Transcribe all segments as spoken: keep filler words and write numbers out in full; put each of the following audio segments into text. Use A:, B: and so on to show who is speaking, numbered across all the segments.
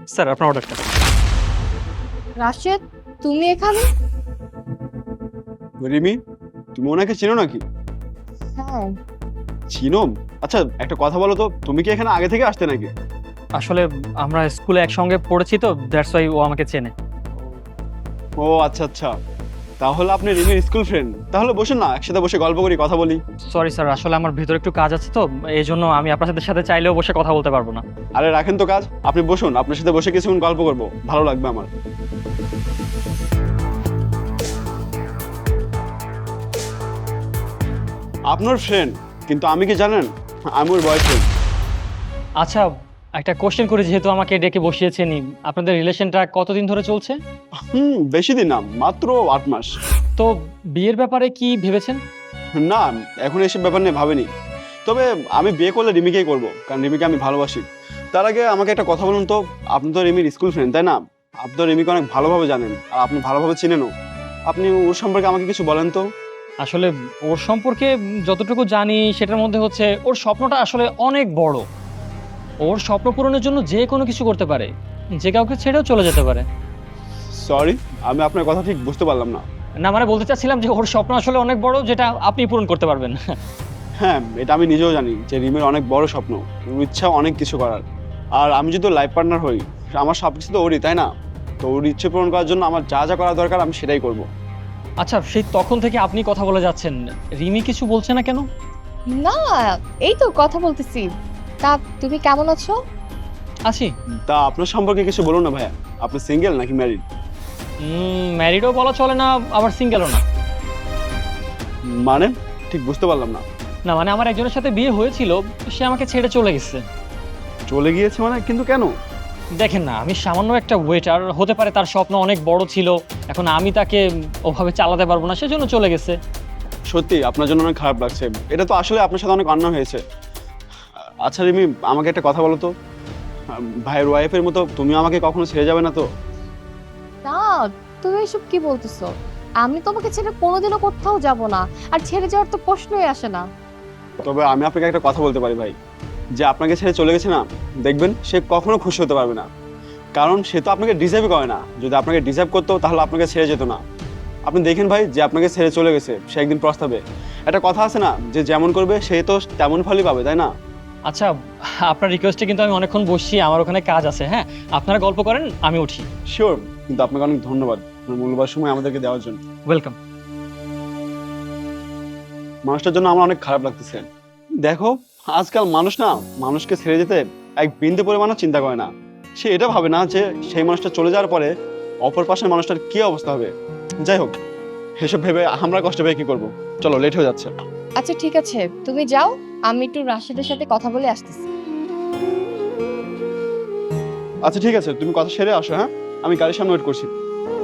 A: Sir আপনার অর্ডারটা।
B: রাশেদ, তুমি এখানে?
C: রিমি, তুমি ওনাকে চিনো নাকি?
B: হ্যাঁ।
C: চিনো? আচ্ছা একটা কথা বলো তো, তুমি কি এখানে আগে থেকে আসতে নাকি?
A: আসলে আমরা স্কুলে একসঙ্গে পড়েছি তো, দ্যাটস ওয়াই ও আমাকে চেনে।
C: ও আচ্ছা আচ্ছা, তাহলে আপনি রিমির স্কুল ফ্রেন্ড। তাহলে বসুন না, একসাথে বসে গল্প করি, কথা বলি।
A: সরি স্যার, আসলে আমার ভিতরে একটু কাজ আছে তো, এই জন্য আমি আপনাদের সাথে চাইলেও বসে কথা বলতে পারবো না।
C: আরে রাখেন তো কাজ, আপনি বসুন, আপনার সাথে বসে কিছুক্ষণ গল্প করবো, ভালো লাগবে আমার। আপনার ফ্রেন্ড, কিন্তু আমি কি জানেন, আমি ওর বয়ফ্রেন্ড।
A: আচ্ছা, একটা কোশ্চেন করি, যেহেতু আমাকে ডেকে বসিয়েছেনই, আপনাদের রিলেশনটা কতদিন ধরে চলছে?
C: হুম বেশি দিন না, মাত্র আট মাস।
A: তো বিয়ের ব্যাপারে কি ভেবেছেন?
C: না, এখন এসব ব্যাপার নিয়ে ভাবিনি। তবে আমি বিয়ে করলে রিমিকেই করবো, কারণ রিমিকে আমি ভালোবাসি। তার আগে আমাকে একটা কথা বলুন তো, আপনি তো রিমির স্কুল ফ্রেন্ড তাই না? আপনি তো রিমিকে অনেক ভালোভাবে জানেন, আর আপনি ভালোভাবে চিনেনও। আপনি ওর সম্পর্কে আমাকে কিছু বলেন তো।
A: আসলে ওর সম্পর্কে যতটুকু জানি সেটার মধ্যে হচ্ছে ওর স্বপ্নটা আসলে অনেক বড়। ওর স্বপ্ন পূরণের জন্য যে কোনো কিছু করতে পারে, যে কাউকে ছেড়েও চলে যেতে পারে।
C: সরি, আমি আপনার কথা ঠিক বুঝতে পারলাম না।
A: না মানে বলতে চাচ্ছিলাম যে ওর স্বপ্ন আসলে অনেক বড়, যেটা আপনি পূরণ করতে পারবেন।
C: হ্যাঁ, এটা আমি নিজেও জানি যে রিমির অনেক বড় স্বপ্ন, ওর ইচ্ছা অনেক কিছু করার। আর আমি যদি লাইফ পার্টনার হই, আমার সব কিছু তো ওরই তাই না? তো ওর ইচ্ছে পূরণ করার জন্য আমার যা যা করা দরকার আমি সেটাই করব।
A: আচ্ছা, সেই তখন থেকে আপনি কথা বলে যাচ্ছেন, রিমি কিছু বলছে না কেন?
B: না, এই তো কথা বলতেছি। তা তুমি কেমন আছো?
A: আছি।
C: তা আপনার সম্পর্কে কিছু বলুন না ভাইয়া, আপনি সিঙ্গেল নাকি ম্যারিড?
A: ম্যারিডও বলা চলে না, আবার সিঙ্গেলও না।
C: মানে ঠিক বুঝতে পারলাম না।
A: না মানে আমার একজনের সাথে বিয়ে হয়েছিল, সে আমাকে ছেড়ে চলে গেছে।
C: চলে গিয়েছে মানে? কিন্তু কেন?
A: দেখেন না, আমি সামান্য একটা ওয়েটার, হতে পারে তার স্বপ্ন অনেক বড় ছিল, এখন আমি তাকে ওভাবে চালাতে পারবো না, সেজন্য চলে গেছে।
C: সত্যি আপনার জন্য অনেক খারাপ লাগছে, এটা তো আসলে আপনার সাথে অনেক অন্যায় হয়েছে। আচ্ছা রিমি, আমাকে একটা কথা বলো তো, ভাইয়ের ওয়াইফের মতো তুমি আমাকে কখনো ছেড়ে যাবে না তো?
B: না, তুমি এসব কি বলতেছো? আমি তোমাকে ছেড়ে কোনোদিনও কোথাও যাব না। আর ছেড়ে যাওয়ার তো প্রশ্নই আসে না।
C: তবে আমি আপনাকে একটা কথা বলতে পারি ভাই, যে আপনাকে ছেড়ে চলে গেছে না, দেখবেন সে কখনো খুশি হতে পারবে না। কারণ সে তো আপনাকে ডিজার্ভই করে না। যদি আপনাকে ডিজার্ভ করতো তাহলে আপনাকে ছেড়ে যেত না। আপনি দেখেন ভাই, যে আপনাকে ছেড়ে চলে গেছে সে একদিন প্রস্তাবে, একটা কথা আছে না, যে যেমন করবে সে তো তেমন ফলই পাবে তাই না?
A: আচ্ছা, আপনার রিকোয়েস্টে কিন্তু আমি অনেকক্ষণ বসছি, আমার ওখানে কাজ আছে। হ্যাঁ, আপনারা গল্প করেন, আমি উঠি।
C: শিওর, কিন্তু আপনাকে অনেক ধন্যবাদ আপনার মূল্যবান সময় আমাদেরকে দেওয়ার জন্য।
A: ওয়েলকাম।
C: মানুষটার জন্য আমার অনেক খারাপ লাগতেছে। দেখো, আজকাল মানুষ না মানুষকে ছেড়ে যেতে এক বিন্দু পরিমাণও চিন্তা করে না। সে এটা ভাবে না যে সেই মানুষটা চলে যাওয়ার পরে অপর পাশের মানুষটার কি অবস্থা হবে। যাই হোক, এসব ভেবে আমরা কষ্ট পেয়ে কি করবো? চলো, লেট হয়ে যাচ্ছে।
B: আচ্ছা ঠিক আছে, তুমি যাও, আমি একটু রাশেদের সাথে কথা বলে আসতেছি।
C: আচ্ছা ঠিক আছে, তুমি কথা সেরে আসো। হ্যাঁ, আমি গাড়ির সামনে ওয়েট করছি।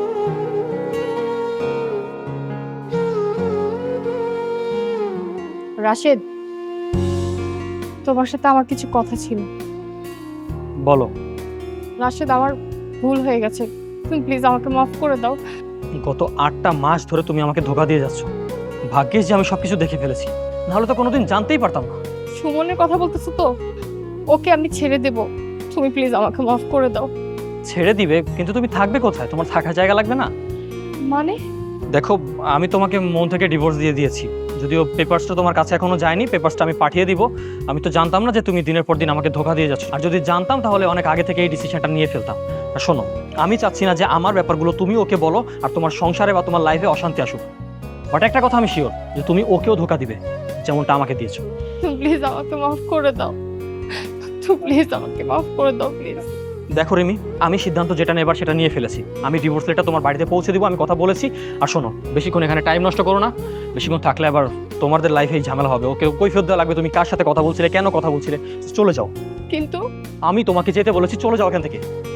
B: রাশেদ, তোমার সাথে আমার কিছু কথা ছিল।
A: বলো।
B: রাশেদ, আমার ভুল হয়ে গেছে, তুমি প্লিজ আমাকে মাফ করে দাও।
A: গত আটটা মাস ধরে তুমি আমাকে ধোকা দিয়ে যাচ্ছ। ভাগ্যিস যে আমি সবকিছু দেখে ফেলেছি, নাহলে তো কোনোদিন জানতেই পারতাম না।
B: সুমনের কথা বলতেছো তো? ওকে আমি ছেড়ে দেব, তুমি প্লিজ আমাকে মাফ করে দাও।
A: ছেড়ে দিবে, কিন্তু তুমি থাকবে কোথায়? তোমার থাকার জায়গা লাগবে না?
B: মানে?
A: দেখো, আমি তোমাকে মন থেকে ডিভোর্স দিয়ে দিয়েছি, যদিও পেপারসটা তোমার কাছে এখনো যায়নি। পেপারসটা আমি পাঠিয়ে দিব। আমি তো জানতাম না যে তুমি দিনের পর দিন আমাকে ধোকা দিয়ে যাচ্ছ, আর যদি জানতাম তাহলে অনেক আগে থেকে এই ডিসিশনটা নিয়ে ফেলতাম। আর শোনো, আমি চাচ্ছি না যে আমার ব্যাপারগুলো তুমি ওকে বলো আর তোমার সংসারে বা তোমার লাইফে অশান্তি আসুক। বাট একটা কথা আমি শিওর, যে তুমি ওকেও ধোকা দিবে, যেমনটা আমাকে দিয়েছো।
B: তুমি প্লিজ আমাকে মাফ করে দাও, তুমি প্লিজ আমাকে মাফ করে দাও প্লিজ।
A: দেখো রিমি, আমি সিদ্ধান্ত যেটা নেবার সেটা নিয়ে ফেলেছি। আমি ডিভোর্স লেটার তোমার বাড়িতে পৌঁছে দিব, আমি কথা বলেছি। আর শোনো, বেশিক্ষণ এখানে টাইম নষ্ট করো না, বেশিক্ষণ থাকলে আবার তোমাদের লাইফেই ঝামেলা হবে। ওকে কৈফিয়ত দেওয়া লাগবে, তুমি কার সাথে কথা বলছিলে, কেন কথা বলছিলে। চলে যাও।
B: কিন্তু
A: আমি তোমাকে যেতে বলেছি, চলে যাও এখান থেকে।